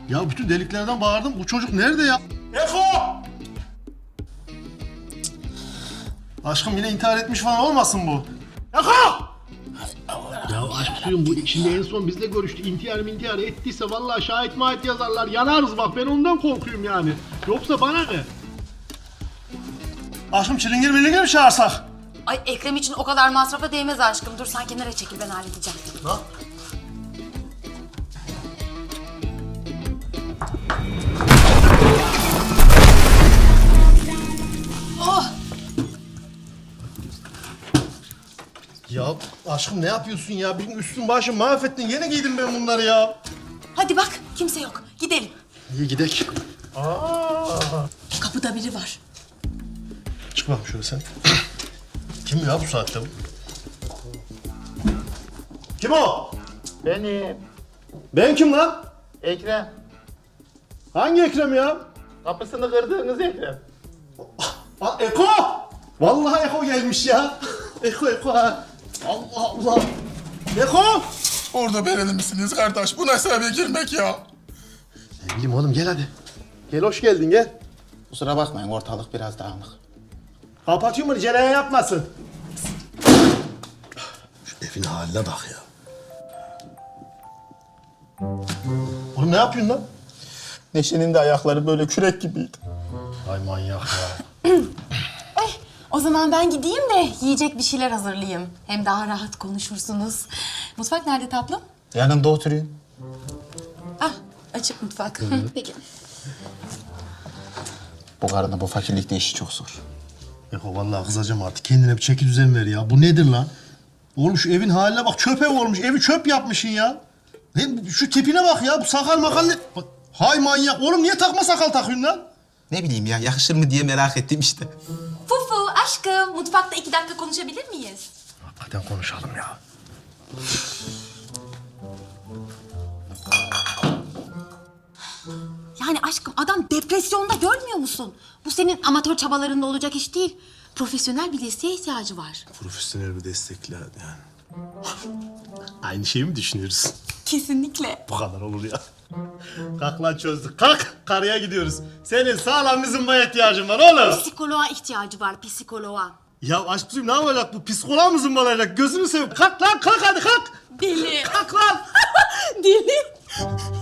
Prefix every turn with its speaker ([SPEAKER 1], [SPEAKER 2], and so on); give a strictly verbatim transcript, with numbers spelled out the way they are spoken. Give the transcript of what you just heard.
[SPEAKER 1] Ya bütün deliklerden bağırdım. Bu çocuk nerede ya? Eko! Aşkım yine intihar etmiş falan olmasın bu? Eko! Ya aşk suyum bu şimdi en son bizle görüştü. İntihar intihar ettiyse vallahi şahit mahit yazarlar. Yanarız bak, ben ondan korkuyorum yani. Yoksa bana ne? Aşkım çilingir milingir mi çağırsak?
[SPEAKER 2] Ay Ekrem için o kadar masrafa değmez aşkım. Dur sen kenara çekil, ben halledeceğim.
[SPEAKER 1] Ha?
[SPEAKER 2] Oh!
[SPEAKER 1] Ya aşkım ne yapıyorsun ya? Benim üstüm başım mahvettin. Yine giydim ben bunları ya.
[SPEAKER 2] Hadi bak, kimse yok. Gidelim.
[SPEAKER 1] İyi gidek.
[SPEAKER 2] Kapıda biri var.
[SPEAKER 1] Çık bakayım şöyle sen. Kim ya bu saatte bu? Kim o?
[SPEAKER 3] Benim.
[SPEAKER 1] Ben kim lan?
[SPEAKER 3] Ekrem.
[SPEAKER 1] Hangi Ekrem ya?
[SPEAKER 3] Kapısını kırdığınız Ekrem.
[SPEAKER 1] Aa, Eko! Vallahi Eko gelmiş ya. Eko Eko ha. Allah Allah. Eko!
[SPEAKER 4] Orada bereli misiniz kardeş? Bu nasıl eve girmek ya?
[SPEAKER 1] Ne bileyim oğlum, gel hadi. Gel, hoş geldin, gel.
[SPEAKER 3] Kusura bakmayın, ortalık biraz dağınık.
[SPEAKER 1] Kapatıyor mu? Cereyan yapmasın. Şu evin haline bak ya. Oğlum ne yapıyorsun lan?
[SPEAKER 3] Neşe'nin de ayakları böyle kürek gibiydi.
[SPEAKER 1] Ay manyak ya.
[SPEAKER 2] Ay, o zaman ben gideyim de yiyecek bir şeyler hazırlayayım. Hem daha rahat konuşursunuz. Mutfak nerede tatlım?
[SPEAKER 3] Yanımda oturayım.
[SPEAKER 2] Ah, açık mutfak. Peki.
[SPEAKER 3] Bu karının bu fakirlikte işi çok zor.
[SPEAKER 1] Eko vallahi kızacağım artık. Kendine bir çeki düzen ver ya. Bu nedir lan? Oğlum şu evin haline bak. Çöp ev olmuş. Evi çöp yapmışsın ya. Hem şu tipine bak ya. Bu sakal makal ne? Bak, hay manyak. Oğlum niye takma sakal takıyorsun lan?
[SPEAKER 3] Ne bileyim ya, yakışır mı diye merak ettim işte.
[SPEAKER 2] Fufu, aşkım, mutfakta iki dakika konuşabilir miyiz?
[SPEAKER 1] Hakikaten konuşalım ya.
[SPEAKER 2] Yani aşkım, adam depresyonda, görmüyor musun? Bu senin amatör çabalarında olacak iş değil. Profesyonel bir desteğe ihtiyacı var.
[SPEAKER 1] Profesyonel bir destekle yani. Aynı şeyi mi düşünüyoruz?
[SPEAKER 2] Kesinlikle.
[SPEAKER 1] Bu kadar olur ya. Kalk lan, çözdük. Kalk, karıya gidiyoruz. Senin sağlam bir zımbaya ihtiyacın var oğlum.
[SPEAKER 2] Psikoloğa ihtiyacı var, psikoloğa.
[SPEAKER 1] Ya aşk suyum, ne yapacak bu? Psikoloğa mı zımbalayacak? Gözünü seveyim. Kalk lan, kalk hadi kalk.
[SPEAKER 2] Deli.
[SPEAKER 1] Kalk lan.
[SPEAKER 2] Deli.